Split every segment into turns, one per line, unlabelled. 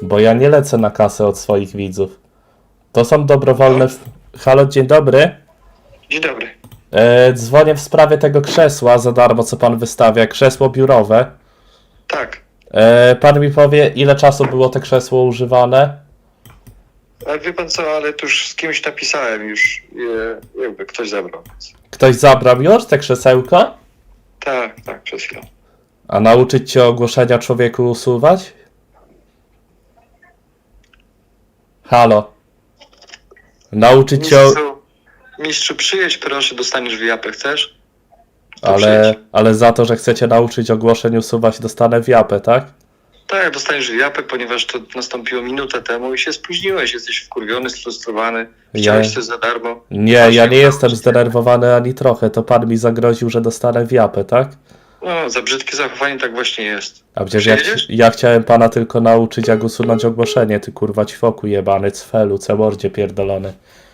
Bo ja nie lecę na kasę od swoich widzów. To są dobrowolne... Halo, dzień dobry.
Dzień dobry.
Dzwonię w sprawie tego krzesła za darmo, co pan wystawia. Krzesło biurowe.
Tak.
Pan mi powie, ile czasu było to krzesło używane?
A wie pan co, ale tu już z kimś napisałem już, jakby ktoś zabrał.
Ktoś zabrał już te krzesełko?
Tak, przed chwilą.
A nauczyć cię ogłoszenia człowieku usuwać? Halo. Nauczyć cię...
Mistrzu, przyjedź proszę, dostaniesz wyjapę, chcesz? To przyjedź.
Ale za to, że chcecie nauczyć ogłoszeń usuwać, dostanę wiapę, tak?
Tak, dostaniesz wyjapę, ponieważ to nastąpiło minutę temu i się spóźniłeś, jesteś wkurwiony, sfrustrowany, chciałeś coś za darmo.
Nie, ja nie jestem zdenerwowany ani trochę, to pan mi zagroził, że dostanę wiapę, tak?
No, za brzydkie zachowanie tak właśnie jest.
A przecież ja chciałem pana tylko nauczyć, jak usunąć ogłoszenie, ty kurwa ćwoku jebany, cfelu, cemordzie pierdolony.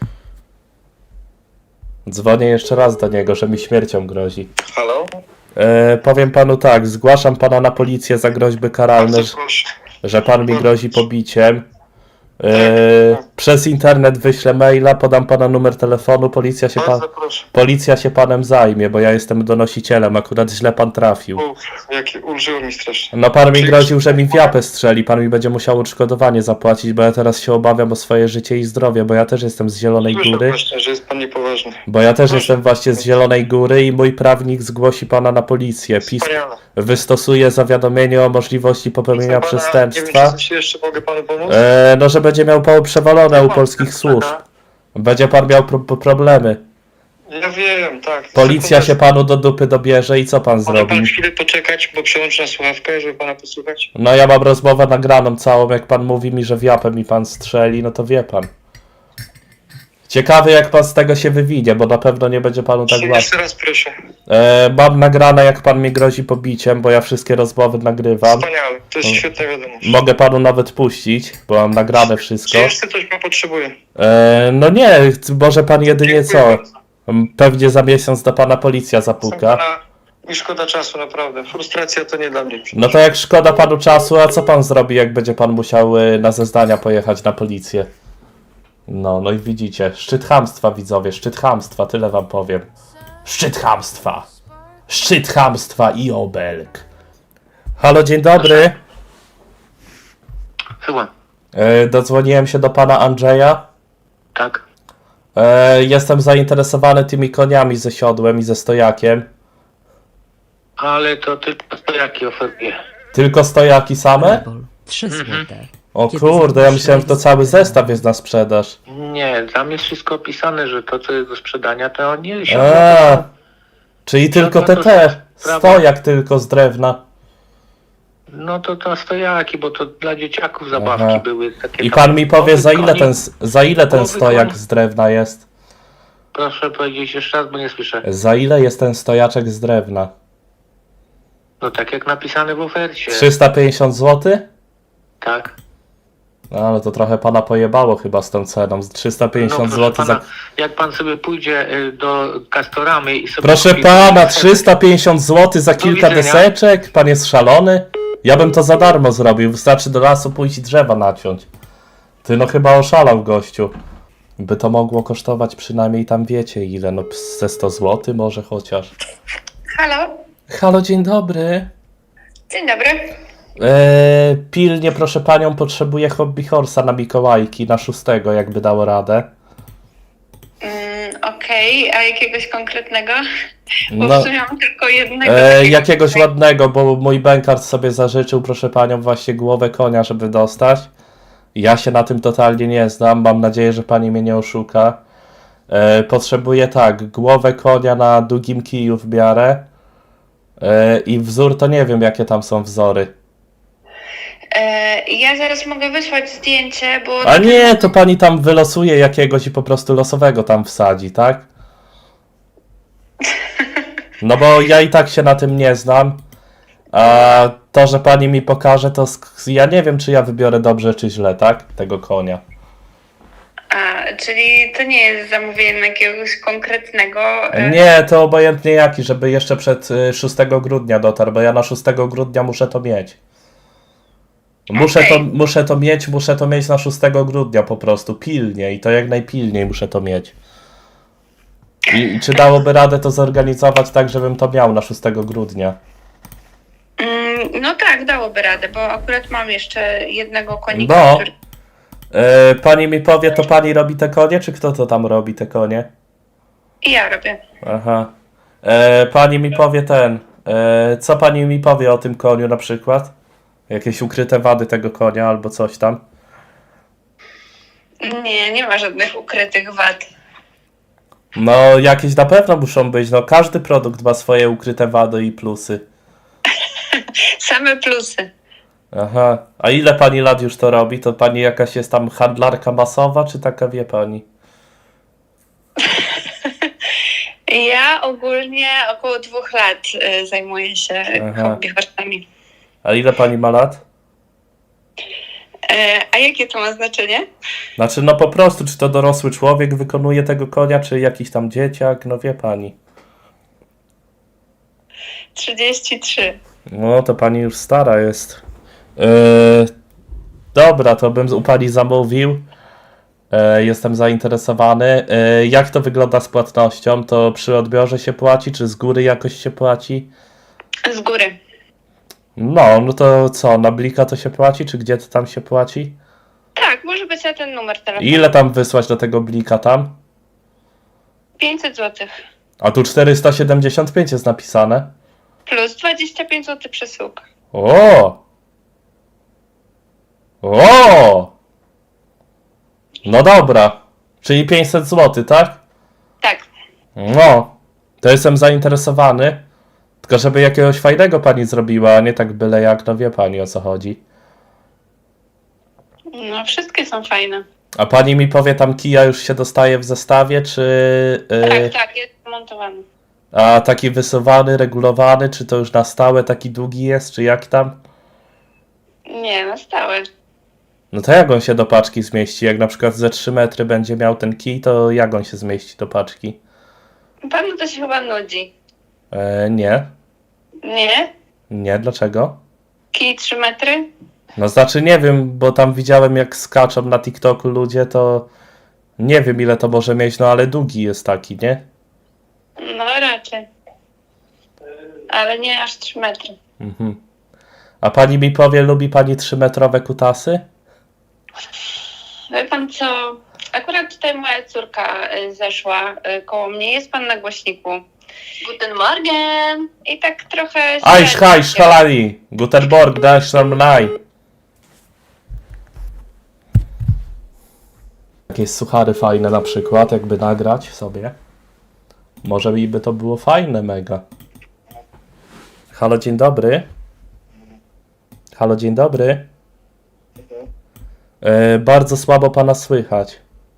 Dzwonię jeszcze raz do niego, że mi śmiercią grozi.
Halo?
Powiem panu tak, zgłaszam pana na policję za groźby karalne,
Bardzo proszę.
że pan mi grozi pobiciem. Przez internet wyślę maila, podam pana numer telefonu,
Bardzo proszę.
policja się panem zajmie, bo ja jestem donosicielem, akurat źle pan trafił.
Ulżyło mi strasznie.
No pan mi groził, że mi wiapę strzeli, pan mi będzie musiał odszkodowanie zapłacić, bo ja teraz się obawiam o swoje życie i zdrowie, bo ja też jestem z Zielonej
Słyszę
Góry.
właśnie, że jest pan niepoważny.
Bo ja też jestem właśnie z Zielonej Góry i mój prawnik zgłosi pana na policję. PiS
Wspaniale.
wystosuje zawiadomienie o możliwości popełnienia przestępstwa.
Nie wiem, czy coś jeszcze mogę panu pomóc?
No, że będzie miał przewalone u polskich służb. Będzie pan miał problemy.
Ja wiem, tak.
Policja się panu do dupy dobierze i co pan
Może
zrobi?
pan chwilę poczekać, bo przełączę na słuchawkę, żeby pana posłuchać?
No ja mam rozmowę nagraną całą, jak pan mówi mi, że wiapę mi pan strzeli, no to wie pan. Ciekawy jak pan z tego się wywinie, bo na pewno nie będzie panu tak łatwo.
Jeszcze raz proszę.
Mam nagrane jak pan mi grozi pobiciem, bo ja wszystkie rozmowy nagrywam.
Wspaniale, to jest świetna wiadomość.
Mogę panu nawet puścić, bo mam nagrane wszystko.
Czy jeszcze coś pan potrzebuje?
No nie, może pan jedynie
Dziękuję
co?
bardzo.
Pewnie za miesiąc do pana policja
Proszę
zapuka.
pana, mi szkoda czasu, naprawdę. Frustracja to nie dla mnie.
No to jak szkoda panu czasu, a co pan zrobi, jak będzie pan musiał na zeznania pojechać na policję? No i widzicie, szczyt chamstwa widzowie, szczyt chamstwa, tyle wam powiem. Szczyt chamstwa! Szczyt chamstwa i obelg. Halo, dzień dobry.
Chyba.
Dodzwoniłem się do pana Andrzeja.
Tak.
Jestem zainteresowany tymi koniami ze siodłem i ze stojakiem.
Ale to tylko stojaki oferuję.
Tylko stojaki same?
3 złote.
O
Kiedy
kurde, ja
zamierzasz
myślałem, że to cały zestaw jest na sprzedaż.
Nie, tam jest wszystko opisane, że to, co jest do sprzedania, to nie
A, czyli tylko te,
Prawda.
stojak tylko z drewna.
No to stojaki, bo to dla dzieciaków zabawki
Aha.
były takie.
I
tam
pan mi powie,
głowy
za ile
koni.
ten
Głowy
stojak
koni.
z drewna jest?
Proszę powiedzieć jeszcze raz, bo nie słyszę.
Za ile jest ten stojaczek z drewna?
No tak jak napisane w ofercie.
350 zł?
Tak.
No ale to trochę pana pojebało chyba z tą ceną. 350
proszę
zł za...
pana, jak pan sobie pójdzie do Castoramy i sobie...
Proszę
kupi-
pana, 350 zł za kilka
widzenia.
deseczek? Pan jest szalony? Ja bym to za darmo zrobił. Wystarczy do lasu pójść i drzewa naciąć. Ty no chyba oszalał gościu. By to mogło kosztować przynajmniej tam wiecie ile, no ze 100 zł może chociaż.
Halo,
Halo, dzień dobry.
dzień dobry.
Pilnie proszę panią, potrzebuję hobby horsa na Mikołajki, na 6, jakby dało radę.
Okej, a jakiegoś konkretnego? Bo
No,
w sumie mam tylko jednego.
jakiegoś ładnego, bo mój bękart sobie zażyczył, proszę panią, właśnie głowę konia, żeby dostać. Ja się na tym totalnie nie znam, mam nadzieję, że pani mnie nie oszuka. Potrzebuję tak, głowę konia na długim kiju w miarę. I wzór to nie wiem, jakie tam są wzory.
Ja zaraz mogę wysłać zdjęcie, bo...
A nie, to pani tam wylosuje jakiegoś i po prostu losowego tam wsadzi, tak? No bo ja i tak się na tym nie znam. A to, że pani mi pokaże, to ja nie wiem, czy ja wybiorę dobrze, czy źle, tak? Tego konia.
A, czyli to nie jest zamówienie jakiegoś konkretnego...
Nie, to obojętnie jaki, żeby jeszcze przed 6 grudnia dotarł, bo ja na 6 grudnia muszę to mieć. Muszę to mieć na 6 grudnia po prostu, pilnie i to jak najpilniej muszę to mieć. I czy dałoby radę to zorganizować tak, żebym to miał na 6 grudnia?
No tak, dałoby radę, bo akurat mam jeszcze jednego konika,
No.
który...
Pani mi powie, to pani robi te konie, czy kto to tam robi te konie?
I ja robię.
Aha. Pani mi powie co pani mi powie o tym koniu na przykład? Jakieś ukryte wady tego konia albo coś tam?
Nie ma żadnych ukrytych wad.
No, jakieś na pewno muszą być. No, każdy produkt ma swoje ukryte wady i plusy.
Same plusy.
Aha. A ile pani lat już to robi? To pani jakaś jest tam handlarka masowa, czy taka wie pani?
Ja ogólnie około 2 lat zajmuję się
Aha.
hobby horsami.
A ile pani ma lat?
A jakie to ma znaczenie?
Znaczy, no po prostu, czy to dorosły człowiek wykonuje tego konia, czy jakiś tam dzieciak, no wie pani.
33.
No, to pani już stara jest. Dobra, to bym u pani zamówił. Jestem zainteresowany. Jak to wygląda z płatnością? To przy odbiorze się płaci, czy z góry jakoś się płaci?
Z góry.
No to co, na blika to się płaci, czy gdzie to tam się płaci?
Tak, może być na ten numer telefonu.
Ile tam wysłać do tego blika tam?
500 zł.
A tu 475 jest napisane.
Plus 25 zł przesyłka.
O! No dobra. Czyli 500 zł, tak?
Tak.
No. To jestem zainteresowany. Tylko żeby jakiegoś fajnego pani zrobiła, a nie tak byle jak, no wie pani o co chodzi.
No, wszystkie są fajne.
A pani mi powie, tam kija już się dostaje w zestawie, czy...
Tak, jest montowany.
A taki wysuwany, regulowany, czy to już na stałe taki długi jest, czy jak tam?
Nie, na stałe.
No to jak on się do paczki zmieści? Jak na przykład ze 3 metry będzie miał ten kij, to jak on się zmieści do paczki?
Panu to się chyba nudzi.
Nie.
Nie?
Nie, dlaczego?
Kij 3 metry?
No znaczy nie wiem, bo tam widziałem jak skaczą na TikToku ludzie, to nie wiem ile to może mieć, no ale długi jest taki, nie?
No raczej. Ale nie aż 3 metry.
Mhm. A pani mi powie, lubi pani 3-metrowe kutasy?
Wie pan co? Akurat tutaj moja córka zeszła koło mnie. Jest pan na głośniku. Guten Morgen! I tak trochę...
Aisz, hajsz, halali! Gutenberg, dasz nam naj! Jakieś suchary fajne na przykład, jakby nagrać sobie. Może mi by to było fajne mega. Halo, dzień dobry. Halo, dzień dobry. Bardzo słabo pana słychać.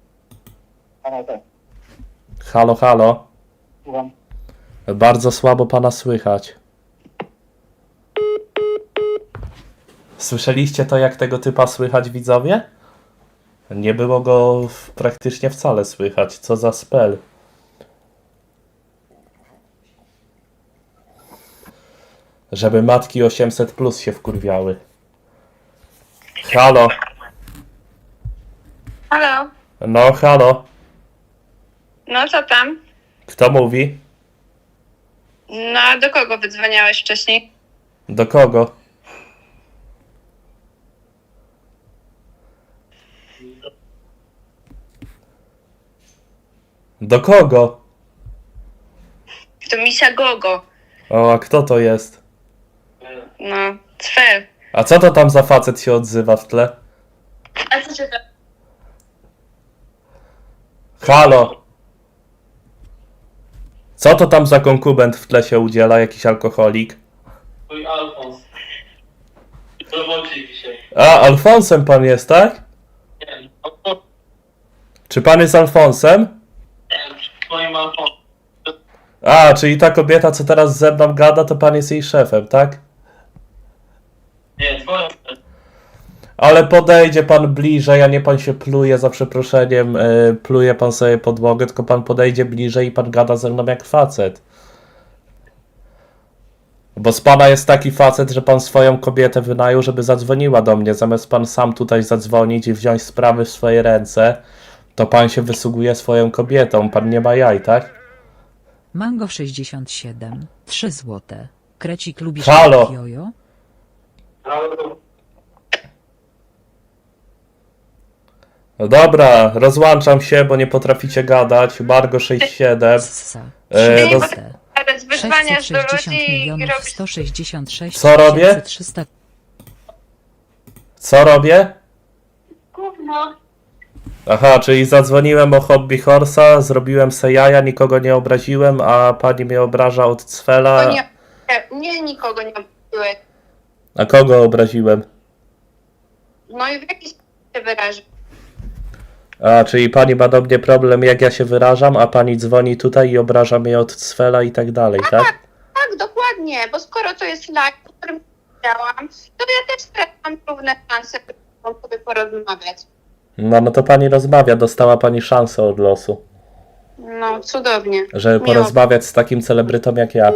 Halo, halo.
Słucham.
Bardzo słabo pana słychać. Słyszeliście to, jak tego typa słychać, widzowie? Nie było go praktycznie wcale słychać. Co za spell. Żeby matki 800 plus się wkurwiały. Halo.
Halo?
No, halo.
No co tam?
Kto mówi?
No a do kogo wydzwaniałeś wcześniej?
Do kogo? Do kogo?
To misia Gogo.
O, a kto to jest?
No, Cfel.
A co to tam za facet się odzywa w tle?
A co cię to...
Halo! Co to tam za konkubent w tle się udziela? Jakiś alkoholik?
Twój Alfons. W robocie dzisiaj.
A, Alfonsem pan jest, tak?
Nie,
Czy pan jest Alfonsem?
twoim Alfonsem.
A, czyli ta kobieta, co teraz ze mną gada, to pan jest jej szefem, tak?
Nie, twoim.
Ale podejdzie pan bliżej, a nie pan się pluje, za przeproszeniem, pluje pan sobie podłogę, tylko pan podejdzie bliżej i pan gada ze mną jak facet. Bo z pana jest taki facet, że pan swoją kobietę wynajął, żeby zadzwoniła do mnie. Zamiast pan sam tutaj zadzwonić i wziąć sprawy w swoje ręce, to pan się wysługuje swoją kobietą. Pan nie ma jaj, tak?
Mango 67, 3 złote. Krecik lubisz
Halo.
jojo?
No dobra, rozłączam się, bo nie potraficie gadać. Margo 67.
Ssa.
E,
Nie,
roz...
Bez wyzwania do
660
ludzi i
milionów
robić
166
Co robię?
300.
Co robię?
gówno.
Aha, czyli zadzwoniłem o Hobby Horsa, zrobiłem se jaja, nikogo nie obraziłem, a pani mnie obraża od cwela.
To nie, nikogo nie obraziłeś.
A kogo obraziłem?
No i w jaki sposób się wyrażasz?
A, czyli pani ma do mnie problem, jak ja się wyrażam, a pani dzwoni tutaj i obraża mnie od cwela i tak dalej, tak?
Tak, dokładnie, bo skoro to jest live, o którym powiedziałam, to ja też teraz mam równe szanse, żeby sobie porozmawiać.
No to pani rozmawia, dostała pani szansę od losu,
No, cudownie.
żeby
Miło.
porozmawiać z takim celebrytą jak ja.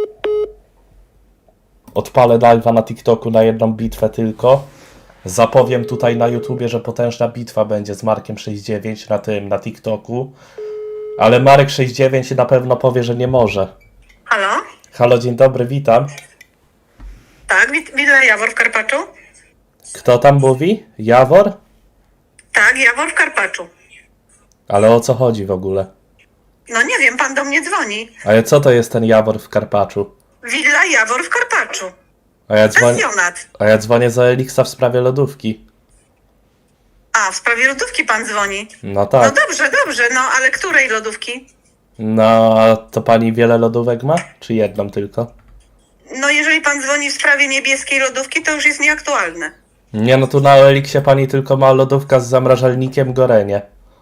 Odpalę live'a na TikToku na jedną bitwę tylko. Zapowiem tutaj na YouTubie, że potężna bitwa będzie z Markiem 69 na TikToku. Ale Marek 69 na pewno powie, że nie może.
Halo?
Halo, dzień dobry, witam.
Tak, widzę Jawor w Karpaczu.
Kto tam mówi? Jawor?
Tak, Jawor w Karpaczu.
Ale o co chodzi w ogóle?
No nie wiem, pan do mnie dzwoni.
Ale co to jest ten Jawor w Karpaczu?
Willa Jawor w Karpaczu. Pensjonat.
A ja dzwonię za Elixa w sprawie lodówki.
A, w sprawie lodówki pan dzwoni.
No
No
tak.
dobrze, no ale której lodówki?
No, to pani wiele lodówek ma? Czy jedną tylko?
No jeżeli pan dzwoni w sprawie niebieskiej lodówki, to już jest nieaktualne.
Nie, no tu na Elixie pani tylko ma lodówka z zamrażalnikiem Gorenie.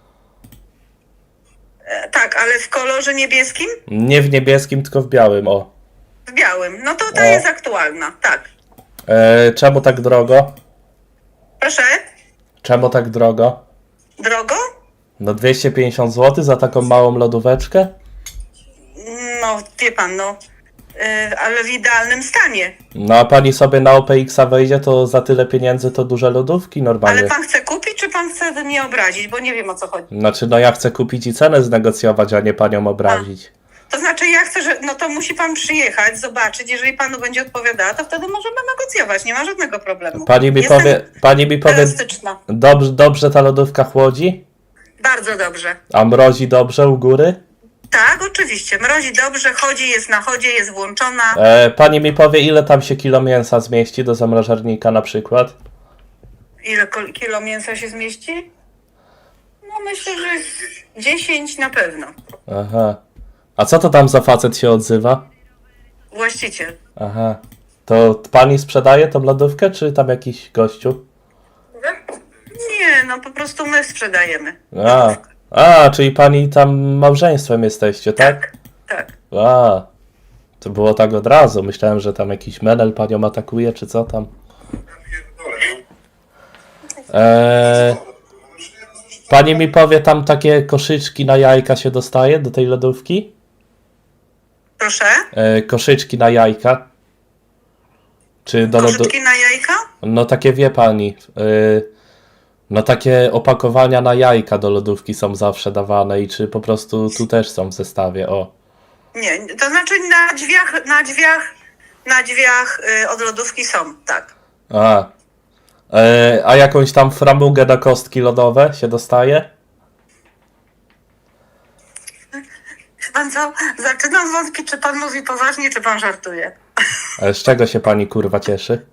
Tak, ale w kolorze niebieskim?
Nie w niebieskim, tylko w białym, o.
W białym. No to ta
O.
jest aktualna, tak.
Czemu tak drogo?
Proszę?
Czemu tak drogo?
Drogo?
No 250 zł za taką małą lodóweczkę?
No, wie pan, no. Ale w idealnym stanie.
No a pani sobie na OPX-a wejdzie, to za tyle pieniędzy to duże lodówki normalnie.
Ale pan chce kupić, czy pan chce mnie obrazić? Bo nie wiem, o co chodzi.
Znaczy, no ja chcę kupić i cenę znegocjować, a nie panią obrazić.
To znaczy ja chcę, że no to musi pan przyjechać, zobaczyć, jeżeli panu będzie odpowiadała, to wtedy możemy negocjować, nie ma żadnego problemu.
Pani mi powie,
elastyczna.
dobrze ta lodówka chłodzi?
Bardzo dobrze.
A mrozi dobrze u góry?
Tak, oczywiście. Mrozi dobrze, chodzi, jest na chodzie, jest włączona.
Pani mi powie, ile tam się kilo mięsa zmieści do zamrażarnika na przykład?
Ile kilo mięsa się zmieści? No myślę, że 10 na pewno.
Aha. A co to tam za facet się odzywa?
Właściciel.
Aha. To pani sprzedaje tą lodówkę, czy tam jakiś gościu?
Nie, no po prostu my sprzedajemy.
Czyli pani tam małżeństwem jesteście, tak?
Tak.
To było tak od razu. Myślałem, że tam jakiś menel panią atakuje, czy co tam. Pani mi powie, tam takie koszyczki na jajka się dostaje do tej lodówki?
Proszę?
Koszyczki na jajka. Czy do
Koszyczki na jajka?
No takie wie pani. No takie opakowania na jajka do lodówki są zawsze dawane i czy po prostu tu też są w zestawie, o.
Nie, to znaczy na drzwiach od lodówki są, tak.
A jakąś tam framugę na kostki lodowe się dostaje?
Pan co? Zaczynam wątpić, czy pan mówi poważnie, czy pan żartuje.
Ale z czego się pani kurwa cieszy?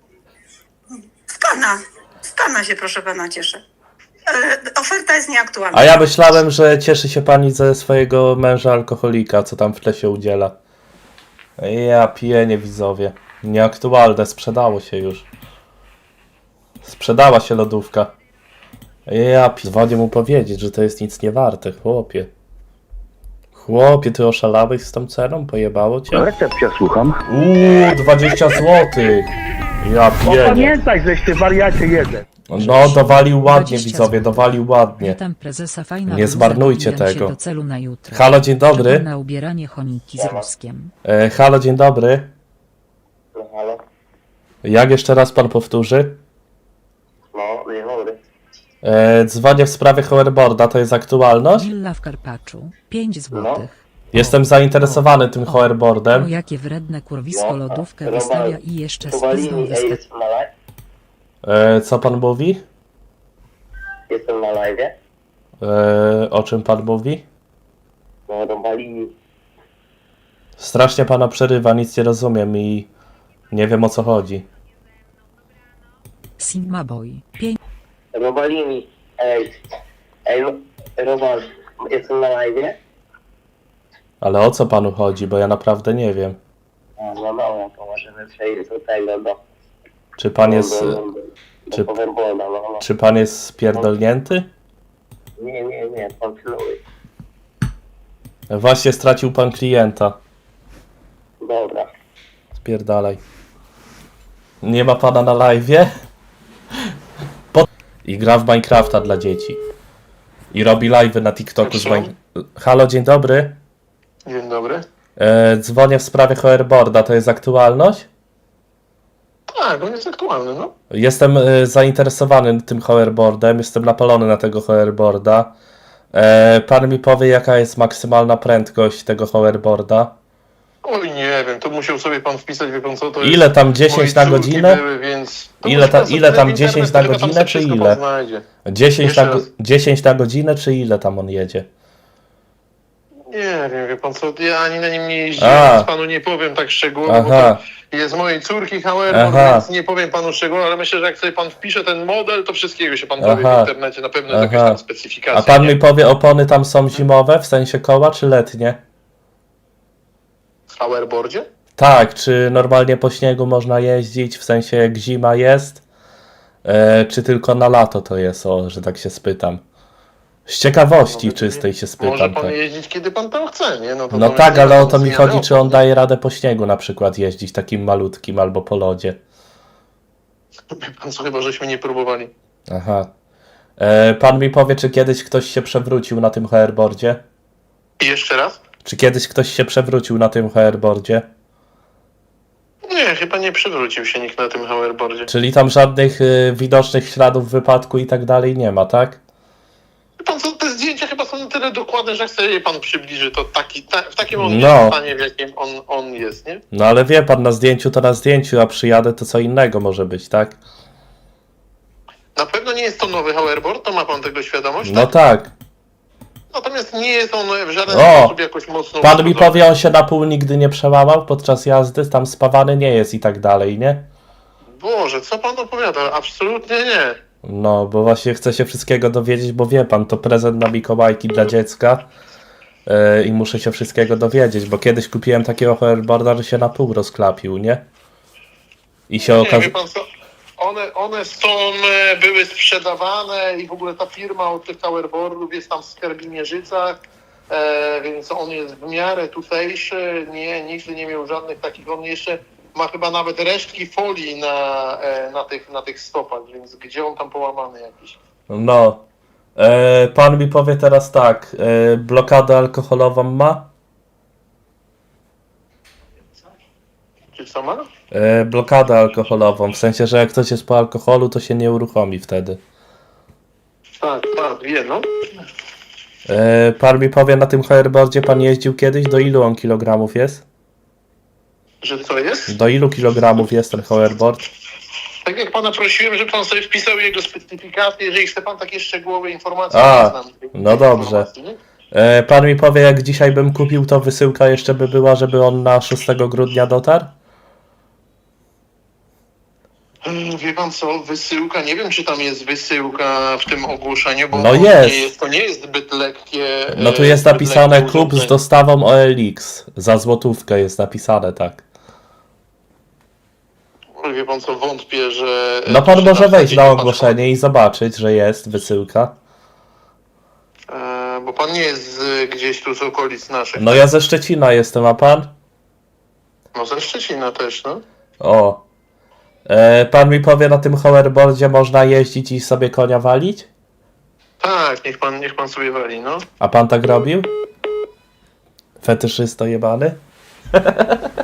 Z pana się proszę pana cieszę. Oferta jest nieaktualna.
A ja myślałem, że cieszy się pani ze swojego męża alkoholika, co tam w tle się udziela. Ja piję, widzowie. Nieaktualne, sprzedało się już. Sprzedała się lodówka. Dzwonię mu powiedzieć, że to jest nic nie warte, chłopie. Chłopie, ty oszalałeś z tą ceną? Pojebało cię?
Recepcja, słucham.
20 złotych. Ja piję.
Pamiętaj, żeście wariacie jeden.
No, dowalił ładnie,
20
widzowie, dowalił ładnie.
Witam prezesa, fajna
Nie
bluza,
zmarnujcie
dobijam
tego.
się do celu na jutro.
Halo, dzień dobry.
Czekam na ubieranie chomiki z ruskiem.
Halo, dzień dobry.
Halo?
Jak jeszcze raz pan powtórzy?
No, dzień dobry.
Dzwonię w sprawie hoverboarda, to jest aktualność?
Willa w Karpaczu, 5 złotych.
Jestem zainteresowany tym
O,
hoverboardem.
jakie wredne kurwisko
No,
lodówkę
Robert,
wystawia i jeszcze z pizdą
Kowalini,
wystawia.
jestem na live?
Co pan mówi?
Jestem na live?
O czym pan mówi?
No, Robalini.
Strasznie pana przerywa, nic nie rozumiem i nie wiem o co chodzi.
Sigma Boy, 5.
Robalini, Robal, jestem na live?
Ale o co panu chodzi, bo ja naprawdę nie wiem.
No dobra, to możemy przejść do tego,
Czy pan jest, czy-
Overboarda, no.
czy pan jest spierdolnięty?
Nie, kontynuuj.
Właśnie stracił pan klienta.
Dobra.
Spierdalaj. Nie ma pana na live'ie? I gra w Minecrafta dla dzieci. I robi live'y na TikToku z Halo, dzień dobry.
Dzień dobry.
Dzwonię w sprawie hoverboarda, to jest aktualność?
Tak, on jest aktualny, no.
Jestem zainteresowany tym hoverboardem, jestem napalony na tego hoverboarda. Pan mi powie, jaka jest maksymalna prędkość tego hoverboarda?
Oj, nie wiem, to musiał sobie pan wpisać, wie pan co, to
Ile
jest...
tam 10 na
moje córki
godzinę?
Były, więc... to
Ile
musi pan
ta-
sobie
ile tam
wpisać w
10
internet,
na
to tam
godzinę,
sobie
czy
wszystko
ile?
pan znajdzie.
10
Jeszcze
na,
raz.
10 na godzinę, czy ile tam on jedzie?
Nie wiem, wie pan co, ja ani na nim nie
A.
jeździłem, więc panu nie powiem tak szczegółowo,
Aha.
bo to jest mojej córki hoverboard,
Aha.
więc nie powiem panu szczegółowo, ale myślę, że jak sobie pan wpisze ten model, to wszystkiego się pan dowie
Aha.
w internecie, na pewno jest jakaś
Aha.
tam specyfikacja.
A pan
nie?
mi powie, opony tam są zimowe, w sensie koła, czy letnie?
W hoverboardzie?
Tak, czy normalnie po śniegu można jeździć, w sensie jak zima jest, czy tylko na lato to jest, o, że tak się spytam. Z ciekawości
No,
czystej się
Może
spytam.
pan
Tak.
jeździć, kiedy pan tam chce, nie? No, to
No
to
tak,
jest
ale o
nie
to mi
zmiany
chodzi, czy on
opcji.
daje radę po śniegu na przykład jeździć takim malutkim albo po lodzie.
Wie pan co, chyba żeśmy nie próbowali.
Aha. Pan mi powie, czy kiedyś ktoś się przewrócił na tym hoverboardzie?
I jeszcze raz?
Czy kiedyś ktoś się przewrócił na tym hoverboardzie?
Nie, chyba nie przewrócił się nikt na tym hoverboardzie.
Czyli tam żadnych widocznych śladów wypadku i tak dalej nie ma, tak?
Wie pan co, te zdjęcia chyba są na tyle dokładne, że jak sobie je pan przybliży, to w takim on
No.
jest stanie, w jakim on jest, nie?
No ale wie pan, na zdjęciu to na zdjęciu, a przyjadę to co innego może być, tak?
Na pewno nie jest to nowy hoverboard, to ma pan tego świadomość,
No
tak?
tak.
Natomiast nie jest on w żaden
O!
sposób jakoś mocno...
Pan mi
uszkodzony.
powie, on się na pół nigdy nie przełamał podczas jazdy, tam spawany nie jest i tak dalej, nie?
Boże, co pan opowiada? Absolutnie nie.
No, bo właśnie chcę się wszystkiego dowiedzieć, bo wie pan, to prezent na Mikołajki dla dziecka i muszę się wszystkiego dowiedzieć, bo kiedyś kupiłem takiego hoverboarda, że się na pół rozklapił, nie? I się
Nie,
okazało...
wie pan co, one są, były sprzedawane i w ogóle ta firma od tych hoverboardów jest tam w Skarbimierzycach, więc on jest w miarę tutejszy, nigdy nie miał żadnych takich, on jeszcze ma chyba nawet resztki folii na tych stopach, więc gdzie on tam połamany jakiś?
No. Pan mi powie teraz tak, blokadę alkoholową ma?
Czy co ma?
Blokadę alkoholową, w sensie, że jak ktoś jest po alkoholu, to się nie uruchomi wtedy.
Tak, wie, no.
Pan mi powie, na tym hoverboardzie pan jeździł kiedyś? Do ilu on kilogramów jest?
Że co jest?
Do ilu kilogramów jest ten hoverboard?
Tak jak pana prosiłem, żeby pan sobie wpisał jego specyfikację, jeżeli chce pan takie szczegółowe informacje.
A,
nie znam tej
no dobrze.
informacji, nie?
Pan mi powie, jak dzisiaj bym kupił, to wysyłka jeszcze by była, żeby on na 6 grudnia dotarł?
Wie pan co, wysyłka, nie wiem czy tam jest wysyłka w tym ogłoszeniu, bo
No
to
jest.
to nie jest zbyt lekkie.
No tu jest
zbyt
napisane
lekkie
kup z
urządzenie.
dostawą OLX. Za złotówkę jest napisane, tak.
Wie pan co, wątpię, że...
No pan może
sprzedawca
wejść
nie
na
patrzy.
ogłoszenie i zobaczyć, że jest wysyłka.
Bo pan nie jest gdzieś tu z okolic naszych.
No ja ze Szczecina jestem, a pan?
No ze Szczecina też, no.
O. Pan mi powie, na tym hoverboardzie można jeździć i sobie konia walić?
Tak, niech pan sobie wali, no.
A pan tak robił? Fetyszysto jebany?